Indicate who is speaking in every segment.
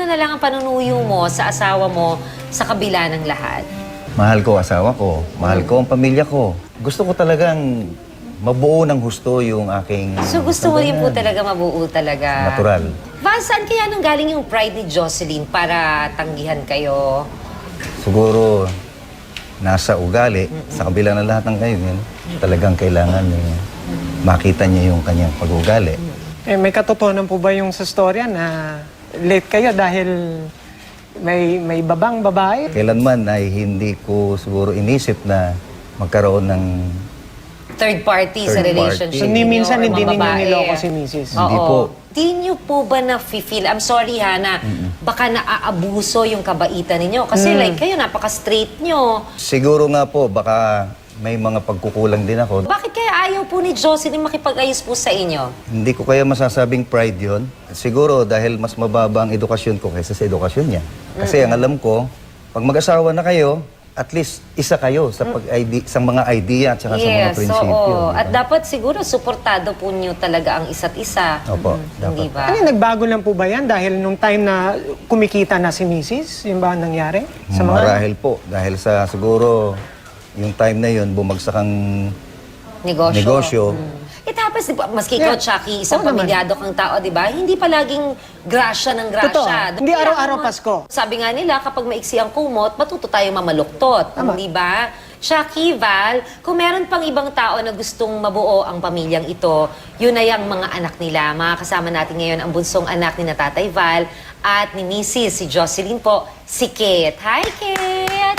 Speaker 1: ano na lang ang panunuyo mo sa asawa mo sa kabila ng lahat?
Speaker 2: Mahal ko asawa ko, mahal ko ang pamilya ko. Gusto ko talagang mabuo ng husto yung aking...
Speaker 1: So gusto mo rin po
Speaker 2: sambayan.
Speaker 1: talaga mabuo talaga?
Speaker 2: Natural.
Speaker 1: Val, saan kaya nung galing yung pride ni Jocelyn para tanggihan kayo?
Speaker 2: Siguro nasa ugali, sa kabila ng lahat ng kayo, talagang kailangan makita niya yung kanyang pag-ugali.
Speaker 3: Eh, may katotohanan po ba yung sa storya na late kayo dahil may babang babae?
Speaker 2: Kailanman ay hindi ko siguro inisip na magkaroon ng...
Speaker 1: Third party sa
Speaker 2: Third
Speaker 1: relationship
Speaker 2: party.
Speaker 3: Ni
Speaker 1: ninyo
Speaker 3: minsan
Speaker 1: or
Speaker 3: hindi
Speaker 1: mga
Speaker 3: ninyo
Speaker 1: babae?
Speaker 3: niloko si Mrs.
Speaker 2: Hindi
Speaker 1: Oo.
Speaker 2: po.
Speaker 1: Di niyo po ba na-feel, I'm sorry ha, na baka naaabuso yung kabaitan ninyo? Kasi like kayo, napaka-straight nyo.
Speaker 2: Siguro nga po, baka may mga pagkukulang din ako.
Speaker 1: Bakit kaya ayaw po ni Jocelyn makipag-ayos po sa inyo?
Speaker 2: Hindi ko kaya masasabing pride yon. Siguro dahil mas mababa ang edukasyon ko kaysa sa edukasyon niya. Kasi ang alam ko, pag mag-asawa na kayo, at least isa kayo sa sa mga idea at saka sa mga prinsipyo.
Speaker 1: oo.
Speaker 2: di ba?
Speaker 1: At dapat siguro suportado po niyo talaga ang isa't isa.
Speaker 2: Opo,
Speaker 1: Hindi
Speaker 2: dapat.
Speaker 1: ba?
Speaker 3: Ano, nagbago lang po ba yan dahil nung time na kumikita na si Mrs.? Yung ba ang nangyari? Sa mga...
Speaker 2: Marahil po. Dahil sa siguro yung time na yun, bumagsak ang negosyo.
Speaker 1: It happens, di ba? Maski ikaw,
Speaker 3: Yeah.
Speaker 1: Chucky, isang
Speaker 3: Oo naman.
Speaker 1: pamilyado kang tao, di ba? Hindi palaging grasya ng grasya.
Speaker 3: Totoo. Hindi araw-araw Pasko.
Speaker 1: Sabi nga nila, kapag maiksi ang kumot, matuto tayo mamaluktot.
Speaker 3: Tama.
Speaker 1: Di ba? Chucky, Val, kung meron pang ibang tao na gustong mabuo ang pamilyang ito, yun ay ang mga anak nila. Makakasama natin ngayon ang bunsong anak ni na Tatay Val at ni Mrs. si Jocelyn po, si Kate. Hi, Kate!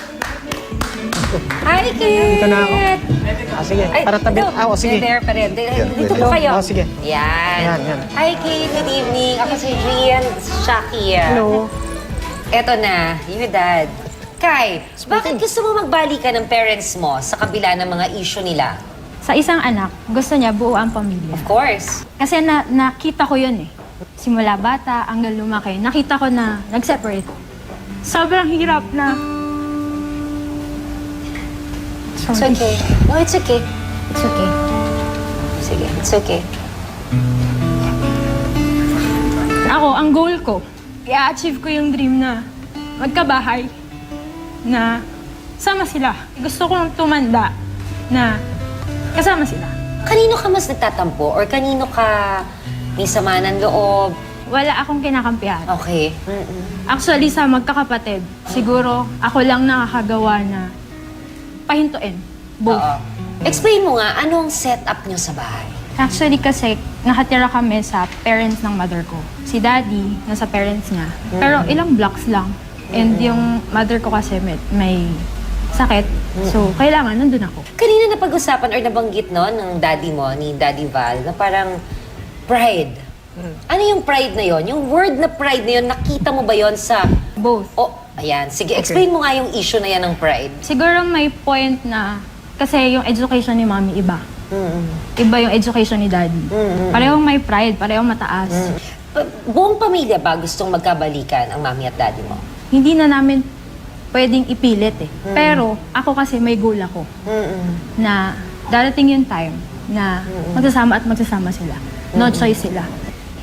Speaker 1: Hi, Kate!
Speaker 3: Dito na ako. Sige, para tabi.
Speaker 1: ito.
Speaker 3: Sige.
Speaker 1: There, pare. Dito
Speaker 2: pwede.
Speaker 1: po kayo.
Speaker 3: Oh, sige.
Speaker 1: Yan.
Speaker 3: Yan.
Speaker 1: Hi, Kate. Good evening. Ako si Gian Shaki.
Speaker 3: Hello.
Speaker 1: Eto na, yung dad. Kai, bakit gusto mo magbalikan ng parents mo sa kabila ng mga issue nila?
Speaker 4: Sa isang anak, gusto niya buo ang pamilya.
Speaker 1: Of course.
Speaker 4: Kasi nakita ko yun eh. Simula bata hanggang lumaki, nakita ko na nag-separate. Sobrang hirap na...
Speaker 1: It's
Speaker 4: Sorry.
Speaker 1: okay. No, it's okay.
Speaker 4: It's okay.
Speaker 1: Sige, it's okay.
Speaker 4: Ako, ang goal ko, i-achieve ko yung dream na magkabahay, na sama sila. Gusto kong tumanda na kasama sila.
Speaker 1: Kanino ka mas nagtatampo? Or kanino ka may sama ng loob?
Speaker 4: Wala akong kinakampihan.
Speaker 1: Okay.
Speaker 4: Actually, sa magkakapatid, siguro ako lang nakakagawa na pahintuin. Both.
Speaker 1: Oo. Explain mo nga, anong setup nyo sa bahay?
Speaker 4: Actually kasi, nakatira kami sa parents ng mother ko. Si daddy, nasa parents niya. Pero ilang blocks lang. And yung mother ko kasi may sakit. So, kailangan nandun ako.
Speaker 1: Kanina napag-usapan or nabanggit no, ng daddy mo, ni Daddy Val, na parang pride. Ano yung pride na yon? Yung word na pride na yon, nakita mo ba yon sa...
Speaker 4: Both.
Speaker 1: Oh, ayan. Sige, explain mo nga yung issue na yan ng pride.
Speaker 4: Siguro may point na, kasi yung education ni mommy iba. Iba yung education ni daddy. Parehong may pride, parehong mataas.
Speaker 1: Buong pamilya ba gustong magkabalikan ang mami at daddy mo?
Speaker 4: Hindi na namin pwedeng ipilit eh. Pero ako kasi may goal ako na darating yung time na magsasama at magsasama sila. No choice sila.